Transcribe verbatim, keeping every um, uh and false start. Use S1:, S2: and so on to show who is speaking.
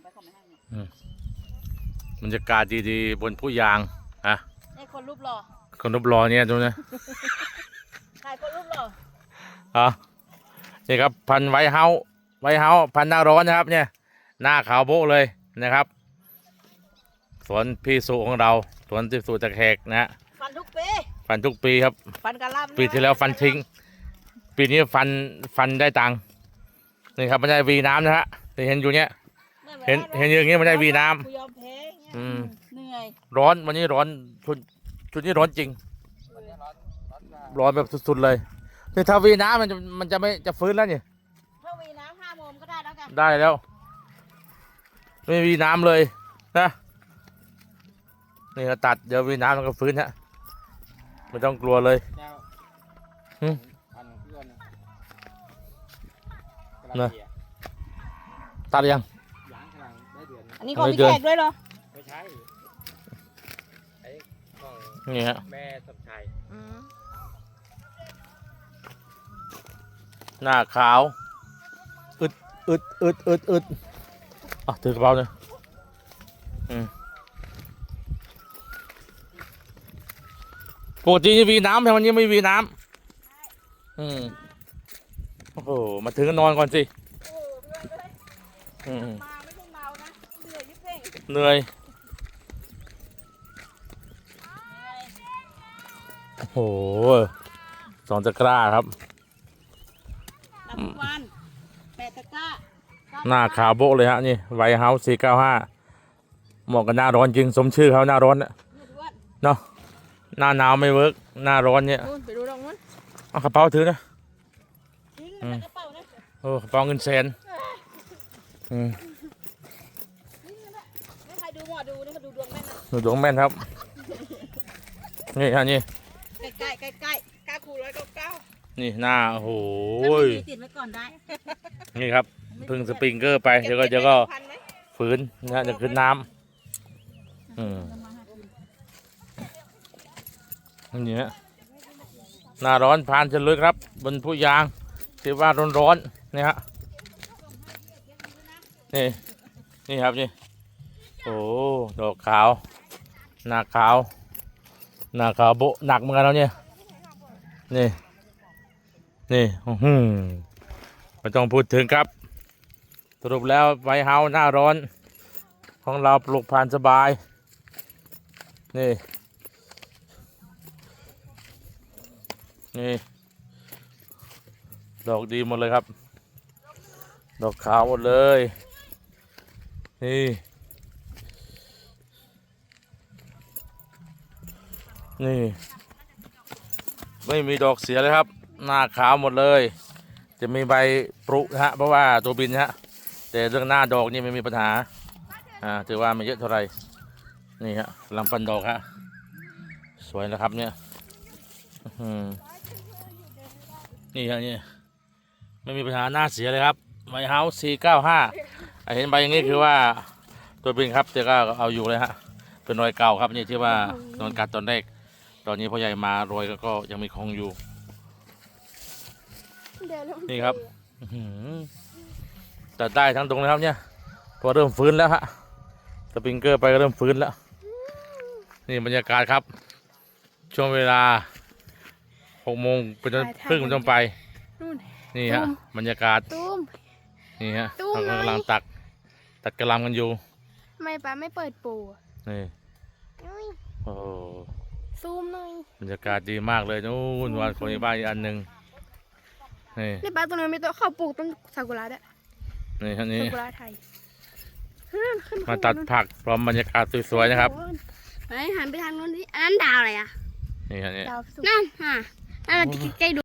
S1: บรรยากาศดีๆบนผู้ยางฮะ
S2: ไอ้คนรูปหล่อ
S1: คนรูปรอเนี่ยดูนะ
S2: ถ่ายคนรูปหล่อ
S1: อ๋อนี่ครับพันไวเฮาไวเฮาพันหน้าร้อนนะครับเนี่ยหน้าขาวโบ๊ะเลยนะครับสวนพี่สุของเราสวนที่สุตะแขกนะฮะ
S2: ฟันทุกปี
S1: ฟันทุกปีครับ
S2: ฟันกระลำ
S1: ปีที่แล้วฟันทิ้งปีนี้ฟันฟันได้ตังค์นี่ครับไม่ได้วีน้ำนะฮะที่เห็นอยู่เนี้ยเห็นเห็นอย่างงี้ไม่ได้วีน้ำ
S2: กูยอมแพ้เงี้ย
S1: อืม
S2: เหนื่อย
S1: ร้อนวันนี้ร้อนชุดชุดนี้ร้อนจริงร้อนแบบสุดๆเลยนี่ถ้าวีน้ำมันจะมันจะไม่จะฟื้นแล้วนี่
S2: ถ้าวีน้ำห้าโมงก็ได้แล้วกัน
S1: ได้แล้วไม่มีน้ำเลยนะนี่ก็ตัดเดี๋ยวมีน้ำมันก็ฟื้นฮะไม่ต้องกลัวเลยหึนะตัดยัง
S2: อันนี้ของพี่แขกด้วยเหรอ
S3: ไม่ใช่ไอ้ของ
S1: นี่ฮะ
S3: แม่สมชาย
S2: อืม
S1: หน้าขาวอึดอึดอึดอึดอึดอ่ะถือกระเป๋าเลยอืมปกติจะมีน้ำแต่วันนี้ไม่มีน้ำอืมโอ้โหมาถึงก็นอนก่อนสิ
S2: โอ้เพื่อนเลย
S1: อืม
S2: มาไม่ใช่เมานะเหนื่อยยิ่งเพ่ง
S1: เหนื่อยโอ้โหสองตะกร้าครับ
S2: รับทุกวันแปดตะกร้า
S1: หน้าขาวโบ๊ะเลยฮะนี่ไวเฮาส์สี่เก้าห้าเหมาะกับหน้าร้อนจริงสมชื่อเขาหน้าร้อนนะ
S2: เนี่ยด้วน
S1: เนาะหน้าหนาวไม่เวิร์กหน้าร้อนเนี่ย
S2: นู่นไปดูตรงนู้น
S1: เอากระเป๋าถือนะ
S2: ทิ้งมันใส่กระเป๋านะ
S1: โอ้กระเป๋าเงินแสนอืม
S2: ทิ้งมันนะไม่ใครดูหมอดูนี่มาดูดวงแม่นนะ
S1: หนูดวงแม่นครับนี่ฮะนี่
S2: ใกล้ใกล้ใกล้ใกล้ๆกล้าคูร้อยเก้าเก้า
S1: นี่หน้าโอ้โห
S2: ถ้าไม่มีติดไว้ก่อนได้
S1: นี่ครับพึ่งสปริงเกอร์ไปเดี๋ยวก็เดี๋ยวก็ฝืนนะฮะจะขึ้นน้ำอืมนี่ฮะหน้าร้อนผ่านเฉลยครับบนผู้ยางที่ว่าร้อนร้อนๆนี่ฮะนี่นี่ครับนี่โอ้ดอกขาวหน้าขาวหน้าขาวโบะหนักเหมือนกันแล้วเนี่ยนี่นี่อื้อหือไม่ต้องพูดถึงครับสรุปแล้วไวเฮาหน้าร้อนของเราปลูกผ่านสบายนี่นี่ดอกดีหมดเลยครับดอกขาวหมดเลยนี่นี่ไม่มีดอกเสียเลยครับหน้าขาวหมดเลยจะมีใบปรุนะฮะเพราะว่าตัวบินฮะแต่เรื่องหน้าดอกนี่ไม่มีปัญหาอ่าถือว่าไม่เยอะเท่าไหร่นี่ฮะลำปันดอกฮะสวยนะครับเนี่ยอืมนี่ฮะนี่ไม่มีปัญหาหน้าเสียเลยครับไวเฮาส์สี่เก้าห้าเห็นใบอย่างนี้คือว่าตัวบินครับแต่ก็เอาอยู่เลยฮะเป็นรอยเก่าครับนี่ที่ว่าโดนกัดตอนแรกตอนนี้พ่อใหญ่มารอยก็ยังมีคงอยู่นี่ครับตัดได้ทั้งตรงเลยครับเนี่ยพอเริ่มฟื้นแล้วฮะสปริงเกอร์ไปก็เริ่มฟื้นแล้วนี่บรรยากาศครับช่วงเวลาหกโมงเป็นต้นครึ่งเป็นต้นไปนี่ฮะบรรยากาศ
S4: ตุ้ม
S1: นี่ฮะ
S4: ตู้
S1: เรา
S4: ไหน
S1: กำลังตักตัดกระหลำกันอยู่
S4: ทำไมป้าไม่เปิดปูอะ
S1: นี่
S4: อุ้ย
S1: โอ้โห
S4: ซูมหน่อย
S1: บรรยากาศดีมากเลยนู่นวันของในบ้านอีกอันหนึ่งนี่
S4: นี่ป้าตรงนั้นมีต้นข้าวปลูกต้นซากุระด้วย
S1: นี่ฮะนี่
S4: ซากุระไทยขึ้นขึ้น
S1: มาตัดผักพร้อมบรรยากาศสวยๆนะครับ
S4: ไปหันไปทางนู้นดิอันนั้นดาวอะไรอ่ะ
S1: นี่ฮะนี่
S4: ดาวนั่นฮะนั่นเราจะใกล้ๆดู